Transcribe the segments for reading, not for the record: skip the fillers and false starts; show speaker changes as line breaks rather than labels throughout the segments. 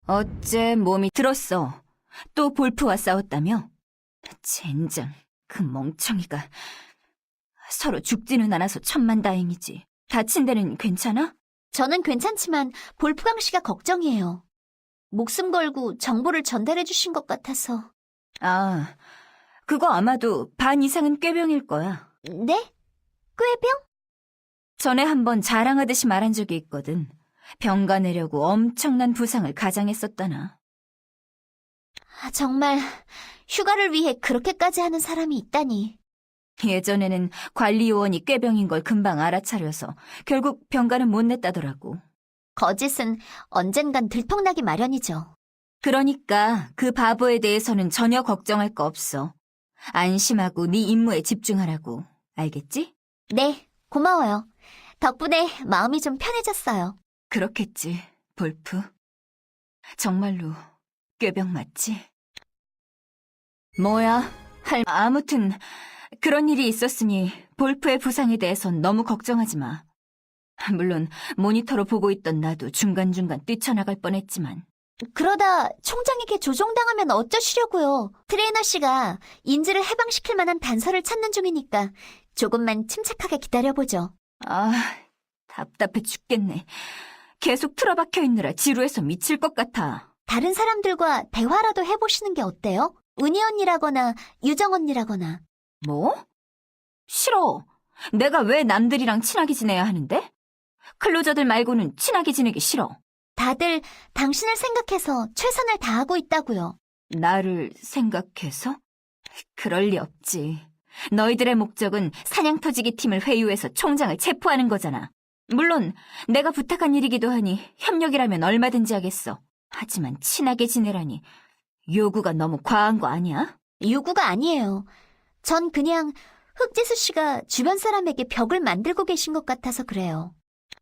어째 몸이 들었어. 또 볼프와 싸웠다며? 젠장, 그 멍청이가. 서로 죽지는 않아서 천만다행이지. 다친 데는 괜찮아?
저는 괜찮지만 볼프강 씨가 걱정이에요. 목숨 걸고 정보를 전달해 주신 것 같아서.
아, 그거 아마도 반 이상은 꾀병일 거야.
네? 꾀병?
전에 한번 자랑하듯이 말한 적이 있거든. 병가 내려고 엄청난 부상을 가장했었다나.
정말 휴가를 위해 그렇게까지 하는 사람이 있다니.
예전에는 관리요원이 꾀병인 걸 금방 알아차려서 결국 병가는 못 냈다더라고.
거짓은 언젠간 들통나기 마련이죠.
그러니까 그 바보에 대해서는 전혀 걱정할 거 없어. 안심하고 네 임무에 집중하라고. 알겠지?
네, 고마워요. 덕분에 마음이 좀 편해졌어요.
그렇겠지, 볼프. 정말로 꾀병 맞지? 뭐야, 아무튼 그런 일이 있었으니 볼프의 부상에 대해선 너무 걱정하지 마. 물론 모니터로 보고 있던 나도 중간중간 뛰쳐나갈 뻔했지만.
그러다 총장에게 조종당하면 어쩌시려고요. 트레이너 씨가 인지를 해방시킬 만한 단서를 찾는 중이니까 조금만 침착하게 기다려보죠.
아, 답답해 죽겠네. 계속 틀어박혀 있느라 지루해서 미칠 것 같아.
다른 사람들과 대화라도 해보시는 게 어때요? 은희 언니라거나 유정 언니라거나.
뭐? 싫어. 내가 왜 남들이랑 친하게 지내야 하는데? 클로저들 말고는 친하게 지내기 싫어.
다들 당신을 생각해서 최선을 다하고 있다고요.
나를 생각해서? 그럴 리 없지. 너희들의 목적은 사냥터지기 팀을 회유해서 총장을 체포하는 거잖아. 물론 내가 부탁한 일이기도 하니 협력이라면 얼마든지 하겠어. 하지만 친하게 지내라니 요구가 너무 과한 거 아니야?
요구가 아니에요. 전 그냥 흑지수 씨가 주변 사람에게 벽을 만들고 계신 것 같아서 그래요.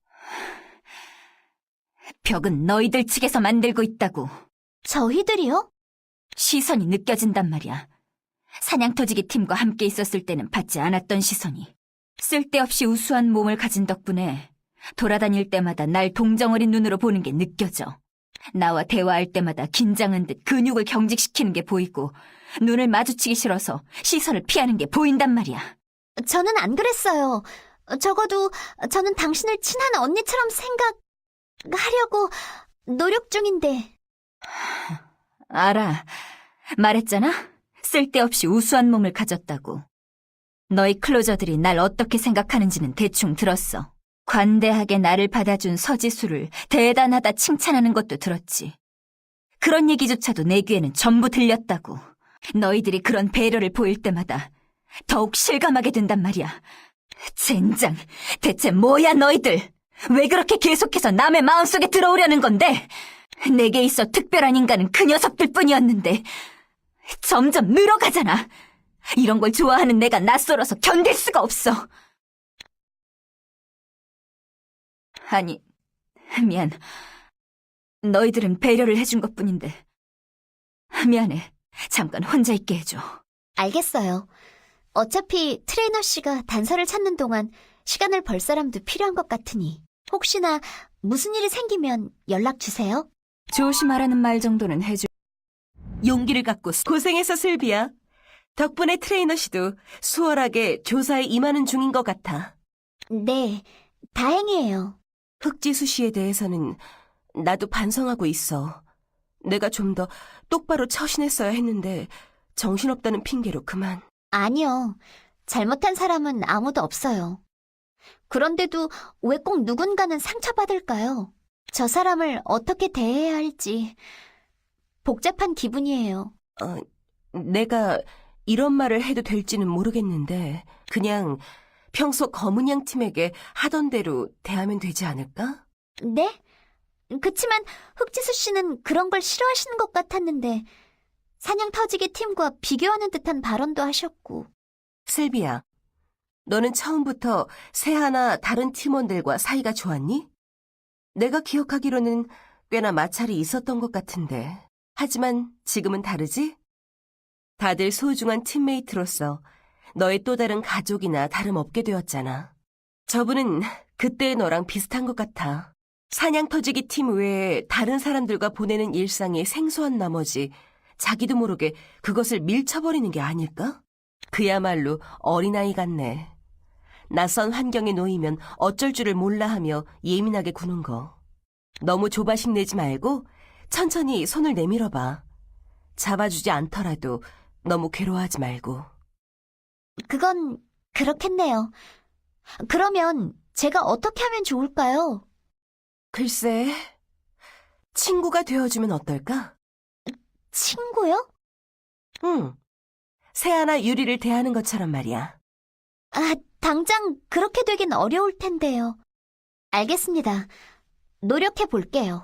벽은 너희들 측에서 만들고 있다고.
저희들이요?
시선이 느껴진단 말이야. 사냥터지기 팀과 함께 있었을 때는 받지 않았던 시선이. 쓸데없이 우수한 몸을 가진 덕분에 돌아다닐 때마다 날 동정어린 눈으로 보는 게 느껴져. 나와 대화할 때마다 긴장한 듯 근육을 경직시키는 게 보이고 눈을 마주치기 싫어서 시선을 피하는 게 보인단 말이야.
저는 안 그랬어요. 적어도 저는 당신을 친한 언니처럼 생각하려고 노력 중인데.
알아. 말했잖아? 쓸데없이 우수한 몸을 가졌다고. 너희 클로저들이 날 어떻게 생각하는지는 대충 들었어. 관대하게 나를 받아준 서지수를 대단하다 칭찬하는 것도 들었지. 그런 얘기조차도 내 귀에는 전부 들렸다고. 너희들이 그런 배려를 보일 때마다 더욱 실감하게 된단 말이야. 젠장, 대체 뭐야 너희들? 왜 그렇게 계속해서 남의 마음속에 들어오려는 건데? 내게 있어 특별한 인간은 그 녀석들 뿐이었는데 점점 늘어가잖아. 이런 걸 좋아하는 내가 낯설어서 견딜 수가 없어. 아니, 미안. 너희들은 배려를 해준 것뿐인데. 미안해. 잠깐 혼자 있게 해줘.
알겠어요. 어차피 트레이너 씨가 단서를 찾는 동안 시간을 벌 사람도 필요한 것 같으니 혹시나 무슨 일이 생기면 연락 주세요.
조심하라는 말 정도는 해줘.
용기를 갖고 고생했어, 슬비야. 덕분에 트레이너 씨도 수월하게 조사에 임하는 중인 것 같아.
네, 다행이에요.
흑지수 씨에 대해서는 나도 반성하고 있어. 내가 좀 더 똑바로 처신했어야 했는데 정신없다는 핑계로 그만.
아니요. 잘못한 사람은 아무도 없어요. 그런데도 왜 꼭 누군가는 상처받을까요? 저 사람을 어떻게 대해야 할지 복잡한 기분이에요.
내가 이런 말을 해도 될지는 모르겠는데 그냥 평소 검은양 팀에게 하던 대로 대하면 되지 않을까?
네? 그치만 흑지수 씨는 그런 걸 싫어하시는 것 같았는데 사냥 터지기 팀과 비교하는 듯한 발언도 하셨고.
슬비야, 너는 처음부터 세하나 다른 팀원들과 사이가 좋았니? 내가 기억하기로는 꽤나 마찰이 있었던 것 같은데. 하지만 지금은 다르지? 다들 소중한 팀메이트로서 너의 또 다른 가족이나 다름없게 되었잖아. 저분은 그때의 너랑 비슷한 것 같아. 사냥터지기 팀 외에 다른 사람들과 보내는 일상에 생소한 나머지 자기도 모르게 그것을 밀쳐버리는 게 아닐까? 그야말로 어린아이 같네. 낯선 환경에 놓이면 어쩔 줄을 몰라 하며 예민하게 구는 거. 너무 조바심 내지 말고 천천히 손을 내밀어봐. 잡아주지 않더라도 너무 괴로워하지 말고.
그건 그렇겠네요. 그러면 제가 어떻게 하면 좋을까요?
글쎄, 친구가 되어주면 어떨까?
친구요?
응. 새하나 유리를 대하는 것처럼 말이야.
아, 당장 그렇게 되긴 어려울 텐데요. 알겠습니다. 노력해 볼게요.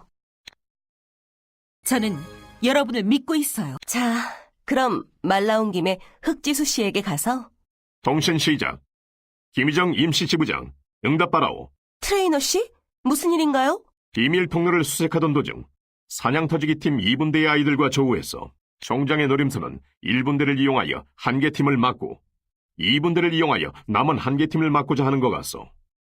저는 여러분을 믿고 있어요.
자, 그럼 말 나온 김에 흑지수 씨에게 가서
통신 시작. 김희정 임시지부장, 응답하라오.
트레이너 씨? 무슨 일인가요?
비밀 통로를 수색하던 도중 사냥터지기 팀 2분대의 아이들과 조우했어. 총장의 노림수는 1분대를 이용하여 한 개 팀을 막고 2분대를 이용하여 남은 한 개 팀을 막고자 하는 것 같소.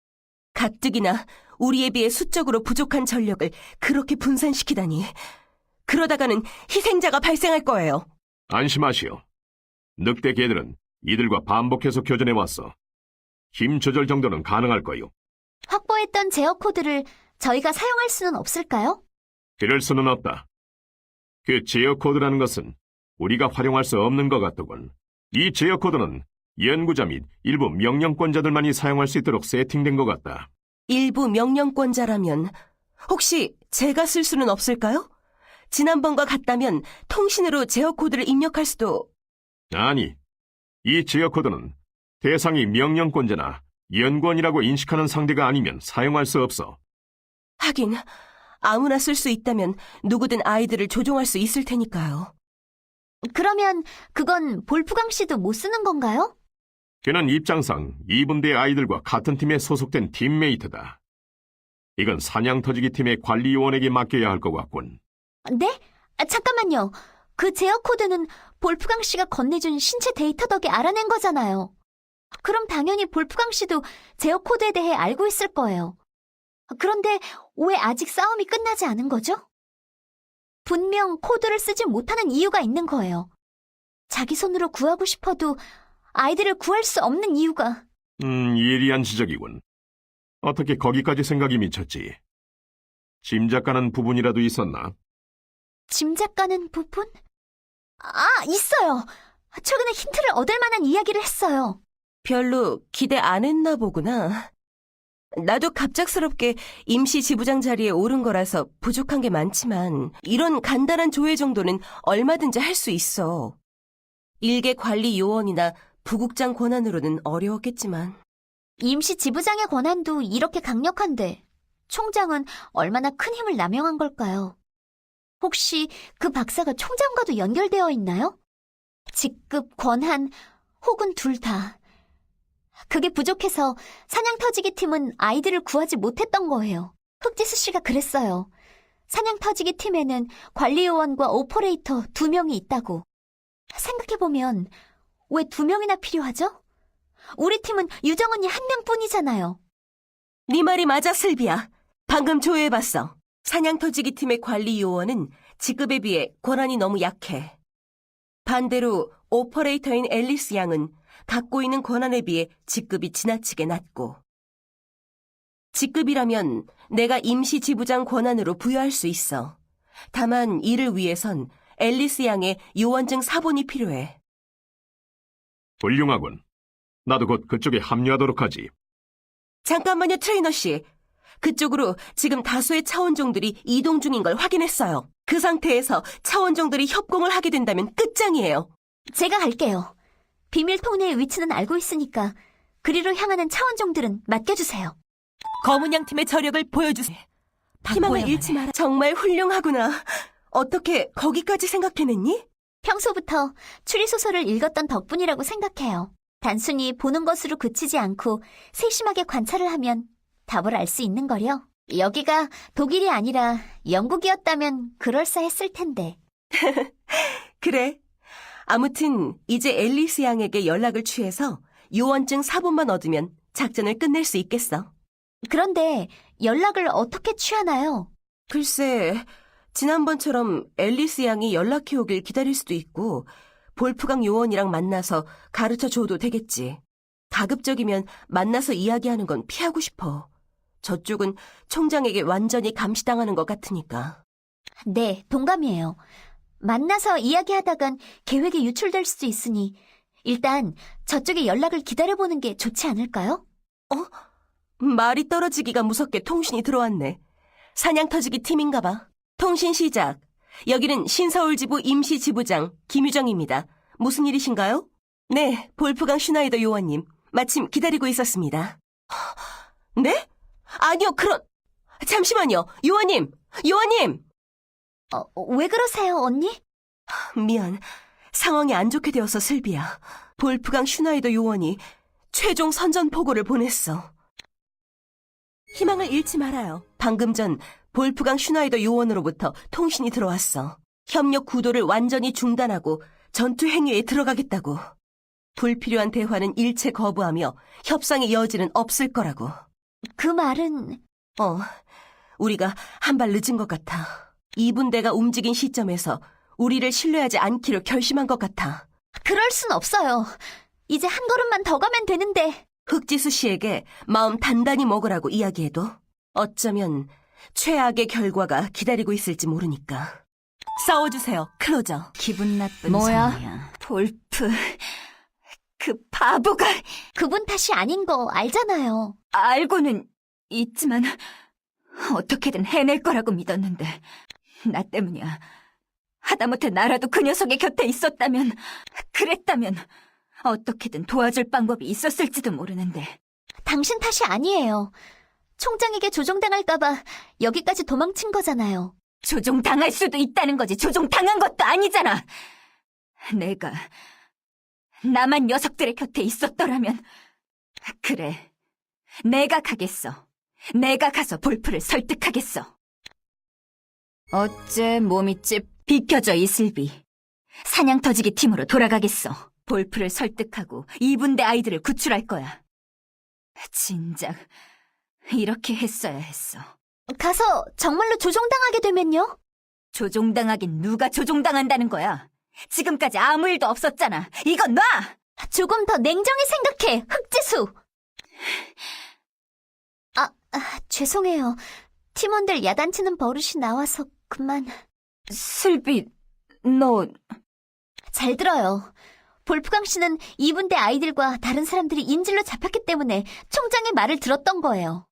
가뜩이나 우리에 비해 수적으로 부족한 전력을 그렇게 분산시키다니. 그러다가는 희생자가 발생할 거예요.
안심하시오. 늑대 개들은 이들과 반복해서 교전해왔어. 힘 조절 정도는 가능할 거요.
확보했던 제어 코드를 저희가 사용할 수는 없을까요?
그럴 수는 없다. 그 제어 코드라는 것은 우리가 활용할 수 없는 것 같더군. 이 제어 코드는 연구자 및 일부 명령권자들만이 사용할 수 있도록 세팅된 것 같다.
일부 명령권자라면 혹시 제가 쓸 수는 없을까요? 지난번과 같다면 통신으로 제어 코드를 입력할 수도...
아니, 이 제어 코드는 대상이 명령권자나 연구원이라고 인식하는 상대가 아니면 사용할 수 없어.
하긴 아무나 쓸 수 있다면 누구든 아이들을 조종할 수 있을 테니까요.
그러면 그건 볼프강 씨도 못 쓰는 건가요?
그는 입장상 2분대 아이들과 같은 팀에 소속된 팀메이트다. 이건 사냥터지기 팀의 관리요원에게 맡겨야 할 것 같군.
네? 아, 잠깐만요. 그 제어 코드는 볼프강 씨가 건네준 신체 데이터 덕에 알아낸 거잖아요. 그럼 당연히 볼프강 씨도 제어 코드에 대해 알고 있을 거예요. 그런데 왜 아직 싸움이 끝나지 않은 거죠? 분명 코드를 쓰지 못하는 이유가 있는 거예요. 자기 손으로 구하고 싶어도 아이들을 구할 수 없는 이유가.
예리한 지적이군. 어떻게 거기까지 생각이 미쳤지? 짐작 가는 부분이라도 있었나?
짐작 가는 부분? 아, 있어요. 최근에 힌트를 얻을 만한 이야기를 했어요.
별로 기대 안 했나 보구나. 나도 갑작스럽게 임시 지부장 자리에 오른 거라서 부족한 게 많지만 이런 간단한 조회 정도는 얼마든지 할 수 있어. 일개 관리 요원이나 부국장 권한으로는 어려웠겠지만.
임시 지부장의 권한도 이렇게 강력한데 총장은 얼마나 큰 힘을 남용한 걸까요? 혹시 그 박사가 총장과도 연결되어 있나요? 직급, 권한, 혹은 둘 다. 그게 부족해서 사냥터지기 팀은 아이들을 구하지 못했던 거예요. 흑지수 씨가 그랬어요. 사냥터지기 팀에는 관리요원과 오퍼레이터 2명이 있다고. 생각해보면 왜 2명이나 필요하죠? 우리 팀은 유정 언니 1명뿐이잖아요.
네 말이 맞아, 슬비야. 방금 조회해봤어. 사냥터지기 팀의 관리 요원은 직급에 비해 권한이 너무 약해. 반대로 오퍼레이터인 앨리스 양은 갖고 있는 권한에 비해 직급이 지나치게 낮고. 직급이라면 내가 임시 지부장 권한으로 부여할 수 있어. 다만 이를 위해선 앨리스 양의 요원증 사본이 필요해.
훌륭하군. 나도 곧 그쪽에 합류하도록 하지.
잠깐만요, 트레이너 씨. 그쪽으로 지금 다수의 차원종들이 이동 중인 걸 확인했어요. 그 상태에서 차원종들이 협공을 하게 된다면 끝장이에요.
제가 갈게요. 비밀 통로의 위치는 알고 있으니까 그리로 향하는 차원종들은 맡겨주세요.
검은 양 팀의 저력을 보여주세요.
희망을 잃지 마라. 정말 훌륭하구나. 어떻게 거기까지 생각해냈니?
평소부터 추리소설을 읽었던 덕분이라고 생각해요. 단순히 보는 것으로 그치지 않고 세심하게 관찰을 하면 답을 알 수 있는 거요. 여기가 독일이 아니라 영국이었다면 그럴싸했을 텐데.
그래. 아무튼 이제 앨리스 양에게 연락을 취해서 요원증 사본만 얻으면 작전을 끝낼 수 있겠어.
그런데 연락을 어떻게 취하나요?
글쎄, 지난번처럼 앨리스 양이 연락해 오길 기다릴 수도 있고, 볼프강 요원이랑 만나서 가르쳐 줘도 되겠지. 가급적이면 만나서 이야기하는 건 피하고 싶어. 저쪽은 총장에게 완전히 감시당하는 것 같으니까.
네, 동감이에요. 만나서 이야기하다간 계획이 유출될 수도 있으니 일단 저쪽의 연락을 기다려보는 게 좋지 않을까요?
말이 떨어지기가 무섭게 통신이 들어왔네. 사냥 터지기 팀인가 봐. 통신 시작. 여기는 신서울지부 임시지부장 김유정입니다. 무슨 일이신가요? 네, 볼프강 슈나이더 요원님. 마침 기다리고 있었습니다. 네? 아니요, 잠시만요. 요원님! 요원님!
왜 그러세요, 언니?
미안. 상황이 안 좋게 되어서 슬비야. 볼프강 슈나이더 요원이 최종 선전포고를 보냈어. 희망을 잃지 말아요. 방금 전 볼프강 슈나이더 요원으로부터 통신이 들어왔어. 협력 구도를 완전히 중단하고 전투 행위에 들어가겠다고. 불필요한 대화는 일체 거부하며 협상의 여지는 없을 거라고.
그 말은...
우리가 한 발 늦은 것 같아. 2분대가 움직인 시점에서 우리를 신뢰하지 않기로 결심한 것 같아.
그럴 순 없어요. 이제 한 걸음만 더 가면 되는데.
흑지수 씨에게 마음 단단히 먹으라고 이야기해도 어쩌면 최악의 결과가 기다리고 있을지 모르니까. 싸워주세요, 클로저.
기분 나쁜
뭐야?
소리야. 볼프, 그 바보가.
그분 탓이 아닌 거 알잖아요.
알고는 있지만 어떻게든 해낼 거라고 믿었는데 나 때문이야. 하다못해 나라도 그 녀석의 곁에 그랬다면 어떻게든 도와줄 방법이 있었을지도 모르는데.
당신 탓이 아니에요. 총장에게 조종당할까봐 여기까지 도망친 거잖아요.
조종당할 수도 있다는 거지. 조종당한 것도 아니잖아. 나만 녀석들의 곁에 있었더라면. 그래, 내가 가겠어. 내가 가서 볼프를 설득하겠어. 어째 몸이 비켜져, 이슬비. 사냥 터지기 팀으로 돌아가겠어. 볼프를 설득하고 2분대 아이들을 구출할 거야. 진작 이렇게 했어야 했어.
가서 정말로 조종당하게 되면요?
조종당하긴 누가 조종당한다는 거야. 지금까지 아무 일도 없었잖아. 이건 놔!
조금 더 냉정히 생각해, 흑지수! 죄송해요. 팀원들 야단치는 버릇이 나와서 그만.
슬비, 너...
잘 들어요. 볼프강 씨는 2분대 아이들과 다른 사람들이 인질로 잡혔기 때문에 총장의 말을 들었던 거예요.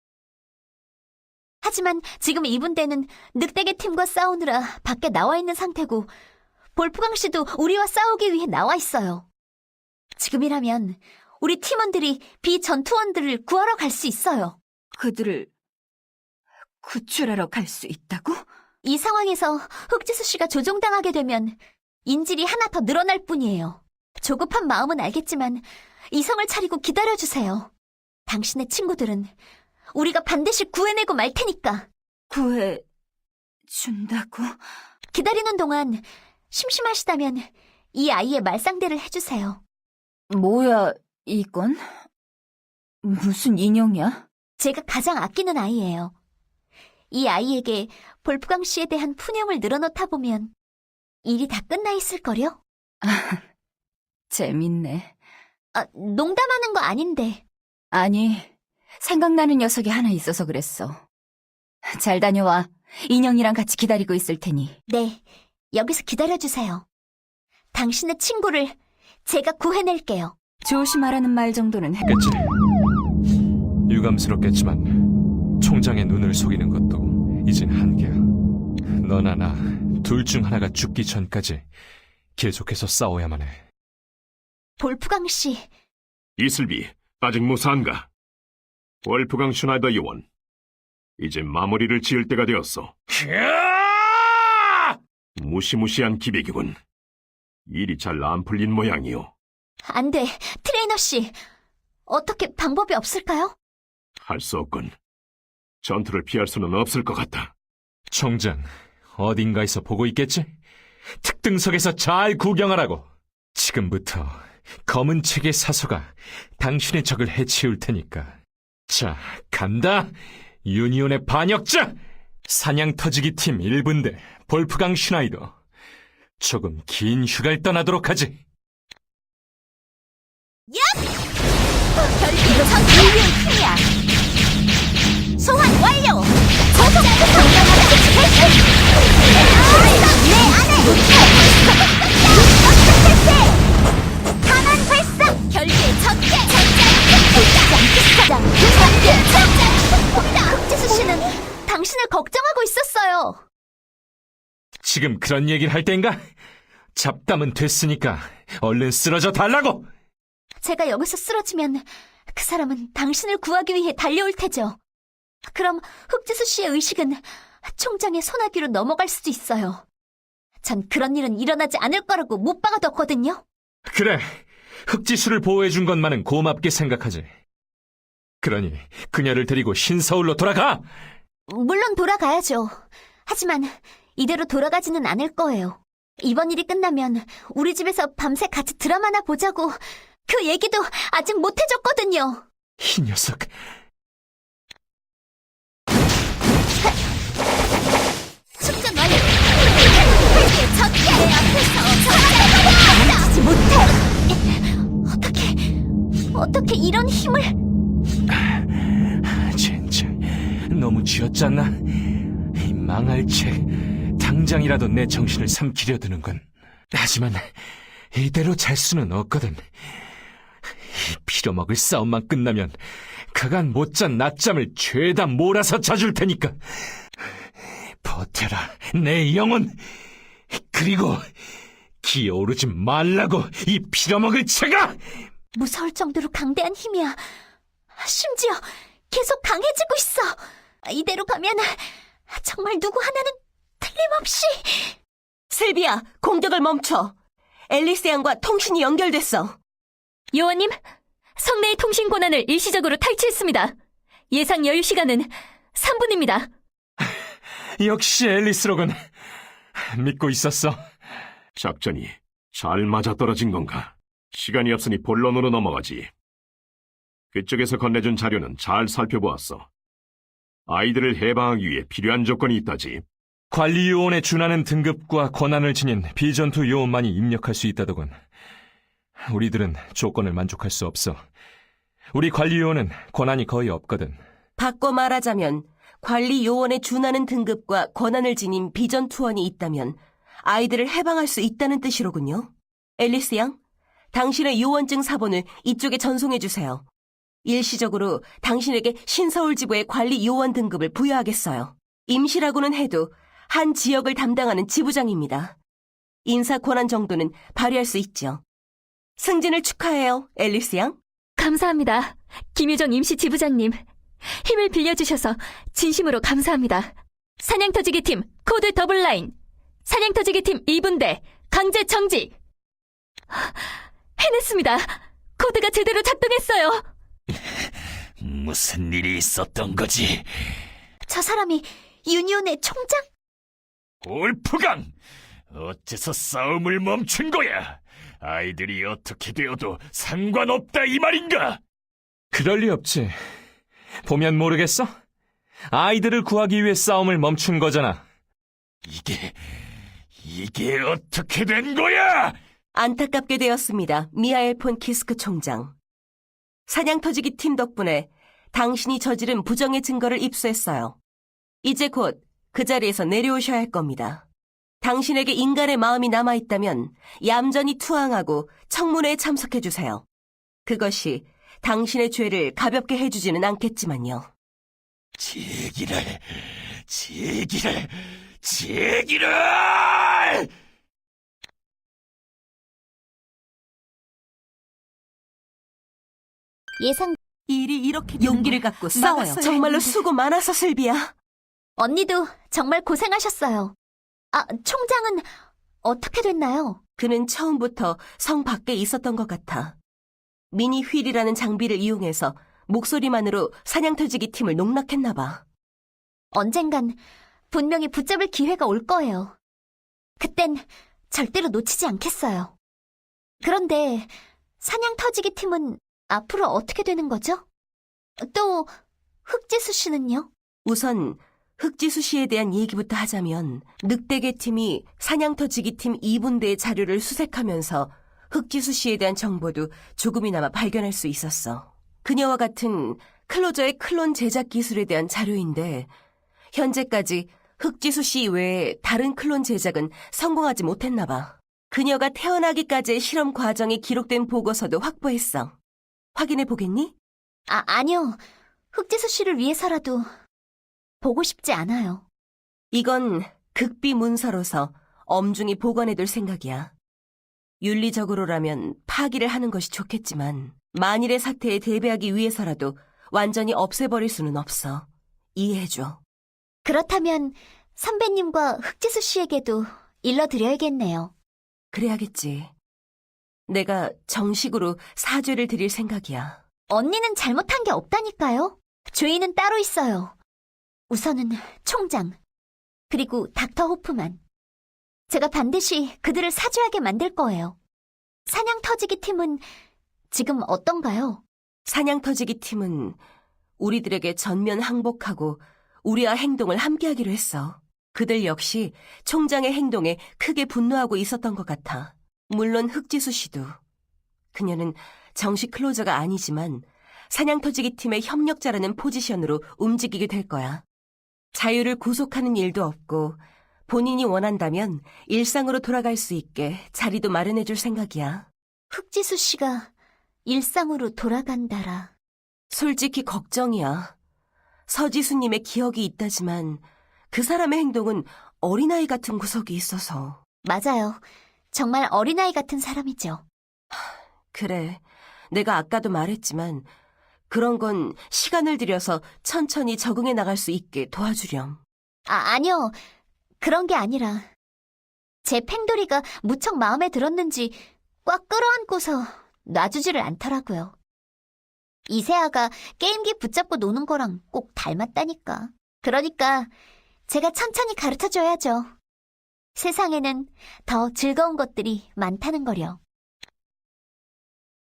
하지만 지금 2분대는 늑대계 팀과 싸우느라 밖에 나와 있는 상태고 볼프강 씨도 우리와 싸우기 위해 나와 있어요. 지금이라면 우리 팀원들이 비전투원들을 구하러 갈 수 있어요.
그들을 구출하러 갈 수 있다고?
이 상황에서 흑지수 씨가 조종당하게 되면 인질이 하나 더 늘어날 뿐이에요. 조급한 마음은 알겠지만 이성을 차리고 기다려주세요. 당신의 친구들은 우리가 반드시 구해내고 말 테니까.
구해준다고?
기다리는 동안 심심하시다면 이 아이의 말상대를 해주세요.
뭐야, 이건? 무슨 인형이야?
제가 가장 아끼는 아이예요. 이 아이에게 볼프강 씨에 대한 푸념을 늘어놓다 보면 일이 다 끝나 있을걸요?
재밌네.
농담하는 거 아닌데.
아니, 생각나는 녀석이 하나 있어서 그랬어. 잘 다녀와. 인형이랑 같이 기다리고 있을 테니.
네, 여기서 기다려주세요. 당신의 친구를 제가 구해낼게요.
조심하라는 말 정도는 해.
그치. 유감스럽겠지만 총장의 눈을 속이는 것도 이젠 한계야. 너나 나 둘 중 하나가 죽기 전까지 계속해서 싸워야만 해.
볼프강 씨,
이슬비, 아직 무사한가? 월프강 슈나이더 요원, 이제 마무리를 지을 때가 되었어. 무시무시한 기백이군. 일이 잘 안 풀린 모양이오.
안 돼. 트레이너 씨, 어떻게 방법이 없을까요?
할 수 없군. 전투를 피할 수는 없을 것 같다.
총장, 어딘가에서 보고 있겠지? 특등석에서 잘 구경하라고. 지금부터 검은 책의 사서가 당신의 적을 해치울 테니까 자, 간다. 유니온의 반역자! 사냥 터지기 팀 1분대 볼프강 슈나이더. 조금 긴 휴가를 떠나도록 하지.
결국은 전 인류의 힘이야. 소환 완료. 저속도 정당하다. 내 안에 강한 발사. 결계의 전개. 흑지수 씨는 당신을 걱정하고 있었어요.
지금 그런 얘기를 할 때인가? 잡담은 됐으니까 얼른 쓰러져 달라고!
제가 여기서 쓰러지면 그 사람은 당신을 구하기 위해 달려올 테죠. 그럼 흑지수 씨의 의식은 총장의 소나기로 넘어갈 수도 있어요. 전 그런 일은 일어나지 않을 거라고 못 박아뒀거든요.
그래, 흑지수를 보호해준 것만은 고맙게 생각하지. 그러니 그녀를 데리고 신서울로 돌아가!
물론 돌아가야죠. 하지만 이대로 돌아가지는 않을 거예요. 이번 일이 끝나면 우리 집에서 밤새 같이 드라마나 보자고 그 얘기도 아직 못 해줬거든요.
이 녀석,
축전 완료. 혈계 전개 내 앞에서 멈추지 못해. 어떻게 이런 힘을?
젠장, 너무 쥐었잖아. 이 망할 책, 당장이라도 내 정신을 삼키려 드는군. 하지만 이대로 잘 수는 없거든. 이 빌어먹을 싸움만 끝나면 그간 못잔 낮잠을 죄다 몰아서 자줄 테니까. 버텨라, 내 영혼. 그리고 기어오르지 말라고, 이 빌어먹을 채가!
무서울 정도로 강대한 힘이야. 심지어 계속 강해지고 있어. 이대로 가면 정말 누구 하나는 틀림없이.
슬비야, 공격을 멈춰. 앨리스 양과 통신이 연결됐어.
요원님, 성내의 통신 권한을 일시적으로 탈취했습니다. 예상 여유 시간은 3분입니다.
역시 앨리스로군. 믿고 있었어.
작전이 잘 맞아떨어진 건가? 시간이 없으니 본론으로 넘어가지. 그쪽에서 건네준 자료는 잘 살펴보았어. 아이들을 해방하기 위해 필요한 조건이 있다지.
관리 요원에 준하는 등급과 권한을 지닌 비전투 요원만이 입력할 수 있다더군. 우리들은 조건을 만족할 수 없어. 우리 관리 요원은 권한이 거의 없거든.
바꿔 말하자면 관리 요원에 준하는 등급과 권한을 지닌 비전 투원이 있다면 아이들을 해방할 수 있다는 뜻이로군요. 앨리스 양, 당신의 요원증 사본을 이쪽에 전송해주세요. 일시적으로 당신에게 신서울 지부의 관리 요원 등급을 부여하겠어요. 임시라고는 해도 한 지역을 담당하는 지부장입니다. 인사 권한 정도는 발휘할 수 있죠. 승진을 축하해요, 앨리스 양.
감사합니다. 김유정 임시 지부장님. 힘을 빌려주셔서 진심으로 감사합니다. 사냥터지기 팀 코드 더블라인. 사냥터지기 팀 2분대 강제 정지. 해냈습니다. 코드가 제대로 작동했어요.
무슨 일이 있었던 거지?
저 사람이 유니온의 총장?
올프강! 어째서 싸움을 멈춘 거야? 아이들이 어떻게 되어도 상관없다 이 말인가?
그럴 리 없지. 보면 모르겠어? 아이들을 구하기 위해 싸움을 멈춘 거잖아.
이게 어떻게 된 거야?
안타깝게 되었습니다, 미하엘 폰 키스크 총장. 사냥터지기 팀 덕분에 당신이 저지른 부정의 증거를 입수했어요. 이제 곧 그 자리에서 내려오셔야 할 겁니다. 당신에게 인간의 마음이 남아있다면 얌전히 투항하고 청문회에 참석해주세요. 그것이 당신의 죄를 가볍게 해주지는 않겠지만요.
제기를!
예상.
일이 이렇게 용기를 갖고 싸워요.
막았어야
정말로
했는데.
수고 많았어, 슬비야.
언니도 정말 고생하셨어요. 아, 총장은 어떻게 됐나요?
그는 처음부터 성 밖에 있었던 것 같아. 미니 휠이라는 장비를 이용해서 목소리만으로 사냥터지기 팀을 농락했나 봐.
언젠간 분명히 붙잡을 기회가 올 거예요. 그땐 절대로 놓치지 않겠어요. 그런데 사냥 터지기 팀은 앞으로 어떻게 되는 거죠? 또 흑지수 씨는요?
우선 흑지수 씨에 대한 얘기부터 하자면 늑대계 팀이 사냥터지기 팀 2분대의 자료를 수색하면서 흑지수 씨에 대한 정보도 조금이나마 발견할 수 있었어. 그녀와 같은 클로저의 클론 제작 기술에 대한 자료인데 현재까지 흑지수 씨 외에 다른 클론 제작은 성공하지 못했나 봐. 그녀가 태어나기까지의 실험 과정이 기록된 보고서도 확보했어. 확인해 보겠니?
아니요. 흑지수 씨를 위해서라도 보고 싶지 않아요.
이건 극비 문서로서 엄중히 보관해둘 생각이야. 윤리적으로라면 파기를 하는 것이 좋겠지만 만일의 사태에 대비하기 위해서라도 완전히 없애버릴 수는 없어. 이해해줘.
그렇다면 선배님과 흑지수 씨에게도 일러드려야겠네요.
그래야겠지. 내가 정식으로 사죄를 드릴 생각이야.
언니는 잘못한 게 없다니까요. 죄인은 따로 있어요. 우선은 총장, 그리고 닥터 호프만. 제가 반드시 그들을 사죄하게 만들 거예요. 사냥 터지기 팀은 지금 어떤가요?
사냥터지기 팀은 우리들에게 전면 항복하고 우리와 행동을 함께하기로 했어. 그들 역시 총장의 행동에 크게 분노하고 있었던 것 같아. 물론 흑지수 씨도. 그녀는 정식 클로저가 아니지만 사냥터지기 팀의 협력자라는 포지션으로 움직이게 될 거야. 자유를 구속하는 일도 없고 본인이 원한다면 일상으로 돌아갈 수 있게 자리도 마련해 줄 생각이야.
흑지수 씨가 일상으로 돌아간다라.
솔직히 걱정이야. 서지수님의 기억이 있다지만 그 사람의 행동은 어린아이 같은 구석이 있어서.
맞아요. 정말 어린아이 같은 사람이죠.
그래, 내가 아까도 말했지만 그런 건 시간을 들여서 천천히 적응해 나갈 수 있게 도와주렴.
아니요. 그런 게 아니라 제 팽돌이가 무척 마음에 들었는지 꽉 끌어안고서 놔주지를 않더라고요. 이세아가 게임기 붙잡고 노는 거랑 꼭 닮았다니까. 그러니까 제가 천천히 가르쳐줘야죠. 세상에는 더 즐거운 것들이 많다는 거려.